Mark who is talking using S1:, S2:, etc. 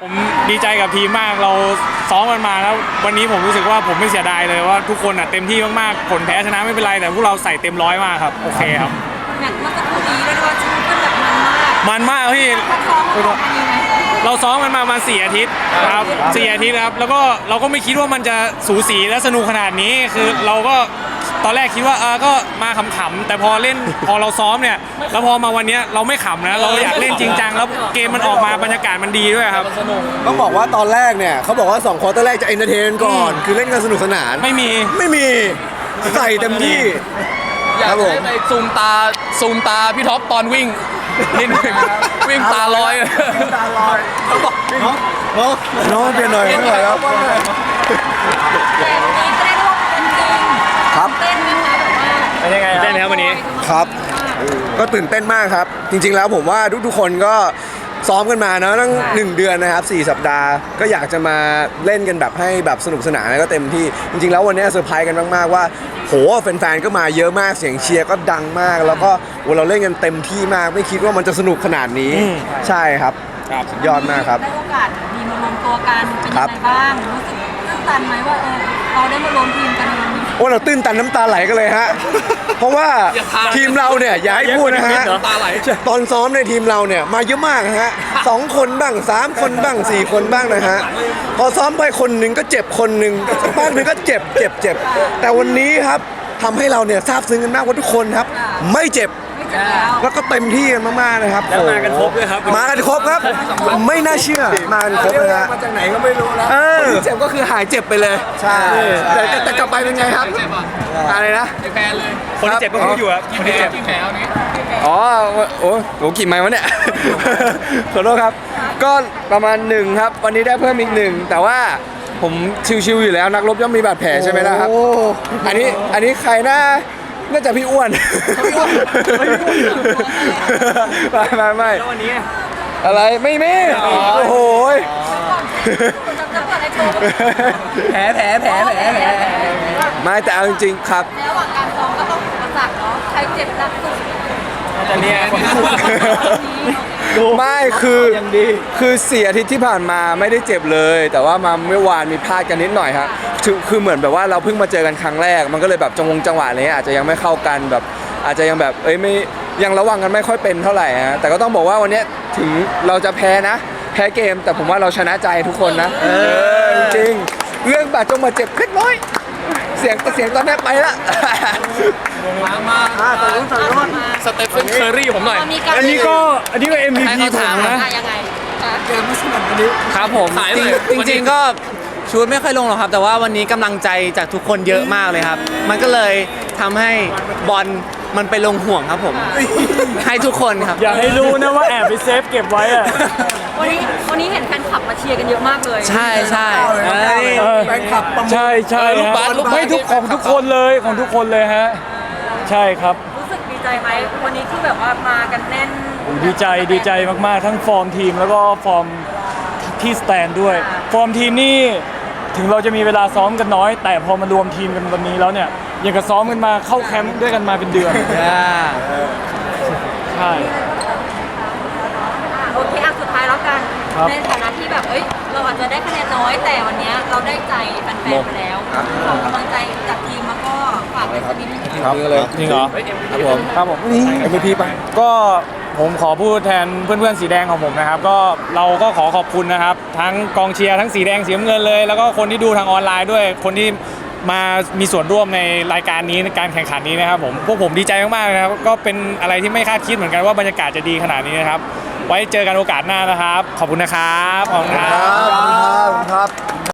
S1: ผมดีใจกับทีมมากเราซ้อมกันมาแล้ววันนี้ผมรู้สึกว่าผมไม่เสียดายเลยว่าทุกคนเต็มที่มากๆผลแพ้ชนะไม่เป็นไรแต่พวกเราใส่เต็มร้อยมากครับโอเคครับ
S2: แมตช์เมื่อสักครู่นี้เรียกว่าชุดเป็นแบบมันมาก
S1: พี่เราซ้อมกันมาประมาณ4 อาทิตย์ครับ4 อาทิตย์ครับแล้วก็เราก็ไม่คิดว่ามันจะสูสีและสนุกขนาดนี้คือเราก็ตอนแรกคิดว่าก็มาขำๆแต่พอเล่นพอเราซ้อมเนี่ยแล้วพอมาวันนี้เราไม่ขำนะเราอยากเล่นจริงจังแล้วเกมมันออกมาบรรยากาศมันดีด้วยครับ
S3: ต้องบอกว่าตอนแรกเนี่ยเขาบอกว่า2 ควอเตอร์แรกจะเอนเตอร์เทนก่อนคือเล่นกันสนุกสนาน
S1: ไม่มี
S3: ใส่เต็มที่
S4: อยากให้ไปซูมตาพี่ท็อปตอนวิ่งนิดนึงวิ่งตาลอย
S3: เขาบอกน้องเปลี่ยนหน่อยไม่ไหวครับ
S2: แต่วันนี้ก็ได้ร่วมเป็นจริง
S3: ครับ
S2: เต้นนะคะแบบว่า
S1: เป็นยังไงเต้นครับวันนี้
S3: ครับก็ตื่นเต้นมากครับจริงๆแล้วผมว่าทุกๆคนก็ซ้อมกันมาเนาะตั้ง1 เดือนนะครับ4 สัปดาห์ก็อยากจะมาเล่นกันแบบให้แบบสนุกสนานแล้วก็เต็มที่จริงๆแล้ววันนี้เซอร์ไพรส์กันมากๆว่าโหแฟนๆก็มาเยอะมากเสียงเชียร์ก็ดังมากแล้วก็เราเล่นกันเต็มที่มากไม่คิดว่ามันจะสนุกขนาดนี้ใช่ครับสุดยอดมากครับ
S2: ได้โอกาสมีมารวมตัวกันเป็นยังไงบ้างรู้สึกตื้นตันไหมว่าเราได้มารวมทีมกันในวันนี้
S3: เราตื้นตันน้ำตาไหลกันเลยฮะเพราะว่าทีมเราเนี่ยอย่าให้พูดนะฮะตอนซ้อมในทีมเราเนี่ยมาเยอะมากฮะ2 คนบ้าง3 คนบ้าง4 คนบ้างนะฮะพอซ้อมไปคนหนึ่งก็เจ็บคนหนึ่งสักพักหนึ่งก็เจ็บแต่วันนี้ครับทำให้เราเนี่ยซาบซึ้งกันมากว่าทุกคนครับไม่เจ็บแล้วก็เต็มที่กันมากๆนะครับ
S1: แล้วมากันครบด้วยครับ
S3: มากันครบครับไม่น่าเชื่อมากันครบเลยฮะ
S1: มาจากไหนก็ไม่รู้แล้ว
S3: เจ็บก็คือหายเจ็บไปเลยใช่แต่กลับไปเป็นไงครับอะไรนะ
S4: แพ้เลย
S1: คนที่เจ็บก็คืออยู่ครับคนที่เจ็บ
S4: แพ้นี้
S3: โอ้กี่ไม้วะเนี่ยขอโทษครับก็ประมาณ1ครับวันนี้ได้เพิ่มอีก1แต่ว่าผมชิวๆอยู่แล้วนักรบย่อมมีบาดแผลใช่ไหมล่ะครับอันนี้ใครน่าจะพี่อ้วนไม่
S1: แล้ววันนี้
S3: อะไรไม่โอ้โห
S2: แผล
S3: ไม่แต่เอาจริงๆครับ
S2: ระหว่างการซ้อมก็ต้องอุปสรรคเนาะใครเจ็บหนักสุด
S1: แต่เนี่ย
S3: ไม่คือ4 อาทิตย์ที่ผ่านมาไม่ได้เจ็บเลยแต่ว่ามาเมื่อวานมีพลาดกันนิดหน่อยครับคือเหมือนแบบว่าเราเพิ่งมาเจอกันครั้งแรกมันก็เลยแบบจังหวะอะไรเงี้ยอาจจะยังไม่เข้ากันแบบอาจจะยังแบบไม่ยังระวังกันไม่ค่อยเป็นเท่าไหร่ฮะแต่ก็ต้องบอกว่าวันนี้ถึงเราจะแพ้เกมแต่ผมว่าเราชนะใจทุกคนนะจริงเรื่องบาดเจ็บเล็กน้อยเสียงตอนนี้ไปละ
S4: มาสเตฟเฟนเคอร์รี่ผมหน่อย
S1: อันนี้ก็ MVP ผมนะ
S2: ยังไง
S3: เกมไม่สนุกวันนี้
S5: ครับผมจริงก็ชูดไม่ค่อยลงหรอกครับแต่ว่าวันนี้กำลังใจจากทุกคนเยอะมากเลยครับมันก็เลยทำให้บอลมันไปลงห่วงครับผมให้ทุกคนครับ
S1: อยากให้รู้นะว่าแอบไปเซฟเก็บไว้อะ
S2: วันนี้เห็นแฟนคลับมาเชียร์กันเยอะมากเลย
S5: ใช่
S3: แฟนคลับ
S1: ใช่ไม่ทุกคนเลยฮะใช่ครับ
S2: รู้สึกดีใจไหมวันนี้คือแบบว่ามากันแน่น
S1: ดีใจมากๆทั้งฟอร์มทีมแล้วก็ฟอร์มที่สแตนด้วยฟอร์มทีมนี่ถึงเราจะมีเวลาซ้อมกันน้อยแต่พอมารวมทีมกันวันนี้แล้วเนี่ยยังกับซ้อมกันมาเข้าแคมป์ด้วยกันมาเป็นเดือนใช่
S2: โอเคสุดท้ายแล้วกันในฐานะที่แบบเราอาจจะได้คะแนนน้อยแต่วันนี้เราได้ใจแฟนๆไปแล้วขอกำลังใจจากทีมแล้วก็ฝากไว้สักนิดนึง
S3: ครับ
S1: จริงเหรอครับผม
S3: นี่ MVP ไป
S1: ก็ผมขอพูดแทนเพื่อนๆสีแดงของผมนะครับก็เราก็ขอขอบคุณนะครับทั้งกองเชียร์ทั้งสีแดงสีน้ำเงินเลยแล้วก็คนที่ดูทางออนไลน์ด้วยคนที่มามีส่วนร่วมในรายการนี้ในการแข่งขันนี้นะครับพวกผมดีใจมากๆนะครับก็เป็นอะไรที่ไม่คาดคิดเหมือนกันว่าบรรยากาศจะดีขนาดนี้นะครับไว้เจอกันโอกาสหน้านะครับขอบคุณนะครับ
S3: ขอบคุณครับ